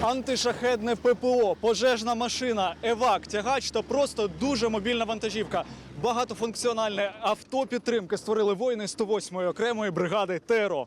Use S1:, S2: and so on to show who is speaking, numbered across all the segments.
S1: Антишахедне ППО, пожежна машина, евак, тягач та просто дуже мобільна вантажівка. Багатофункціональне авто підтримки створили воїни 108-ї окремої бригади ТРО.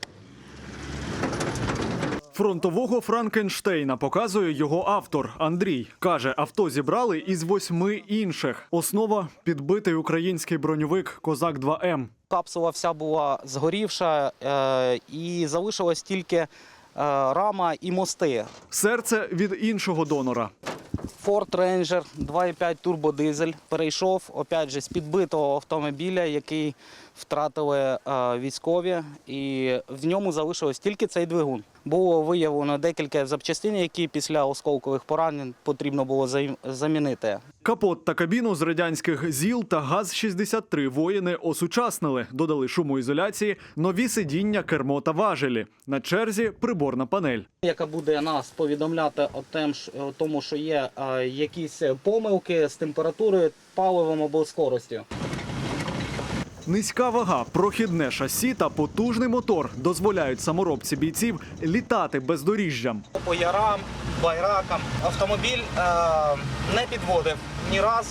S1: Фронтового Франкенштейна показує його автор Андрій. Каже, авто зібрали із 8 інших. Основа – підбитий український броньовик «Козак-2М».
S2: Капсула вся була згорівша і залишилась тільки рама і мости.
S1: Серце від іншого донора.
S2: Ford Ranger 2,5 турбодизель перейшов, опять же, з підбитого автомобіля, який втратили військові, і в ньому залишилось тільки цей двигун. Було виявлено декілька запчастин, які після осколкових поранень потрібно було замінити.
S1: Капот та кабіну з радянських ЗІЛ та ГАЗ-63 воїни осучаснили. Додали шумоізоляції, нові сидіння, кермо та важелі. На черзі приборна панель.
S2: Яка буде нас повідомляти о тому, що є якісь помилки з температурою, паливом або скоростю.
S1: Низька вага, прохідне шасі та потужний мотор дозволяють саморобці бійців літати бездоріжжям.
S2: По ярам, байракам автомобіль не підводив ні разу.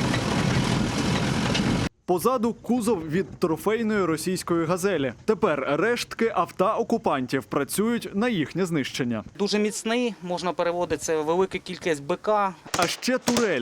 S1: Позаду кузов від трофейної російської «Газелі». Тепер рештки авто окупантів працюють на їхнє знищення.
S2: Дуже міцний, можна переводити, це велика кількість БК.
S1: А ще турель.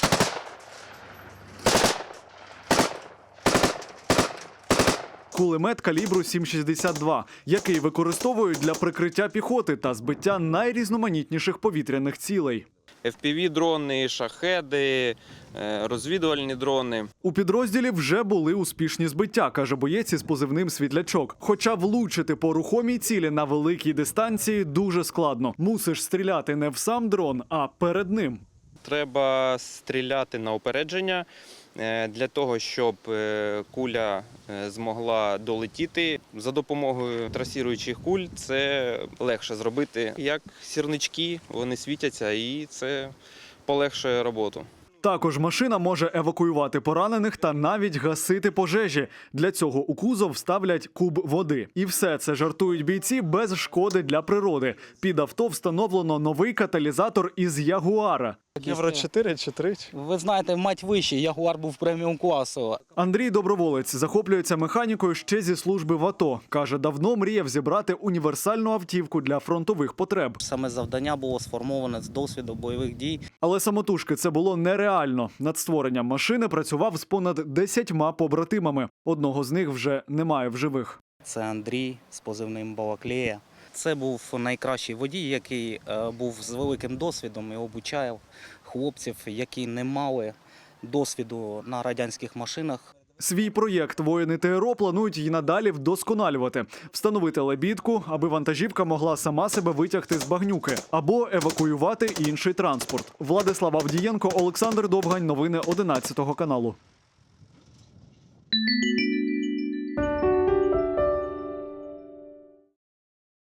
S1: Кулемет калібру 7,62, який використовують для прикриття піхоти та збиття найрізноманітніших повітряних цілей.
S3: FPV-дрони, шахеди, розвідувальні дрони.
S1: У підрозділі вже були успішні збиття, каже боєць із позивним «Світлячок». Хоча влучити по рухомій цілі на великій дистанції дуже складно. Мусиш стріляти не в сам дрон, а перед ним.
S3: Треба стріляти на упередження для того, щоб куля змогла долетіти. За допомогою трасіруючих куль це легше зробити. Як сірнички, вони світяться і це полегшує роботу.
S1: Також машина може евакуювати поранених та навіть гасити пожежі. Для цього у кузов ставлять куб води. І все це, жартують бійці, без шкоди для природи. Під авто встановлено новий каталізатор із «Ягуара».
S4: Євро 4 чи 3?
S2: Ви знаєте, мать вищий, Ягуар був преміум класу.
S1: Андрій Доброволець захоплюється механікою ще зі служби в АТО. Каже, давно мріяв зібрати універсальну автівку для фронтових потреб.
S2: Саме завдання було сформоване з досвіду бойових дій.
S1: Але самотужки це було нереально. Над створенням машини працював з понад 10 побратимами. Одного з них вже немає в живих.
S2: Це Андрій з позивним Балаклея. Це був найкращий водій, який був з великим досвідом і обучав хлопців, які не мали досвіду на радянських машинах.
S1: Свій проєкт воїни ТРО планують і надалі вдосконалювати. Встановити лебідку, аби вантажівка могла сама себе витягти з багнюки. Або евакуювати інший транспорт. Владислав Авдієнко, Олександр Довгань. Новини 11 каналу.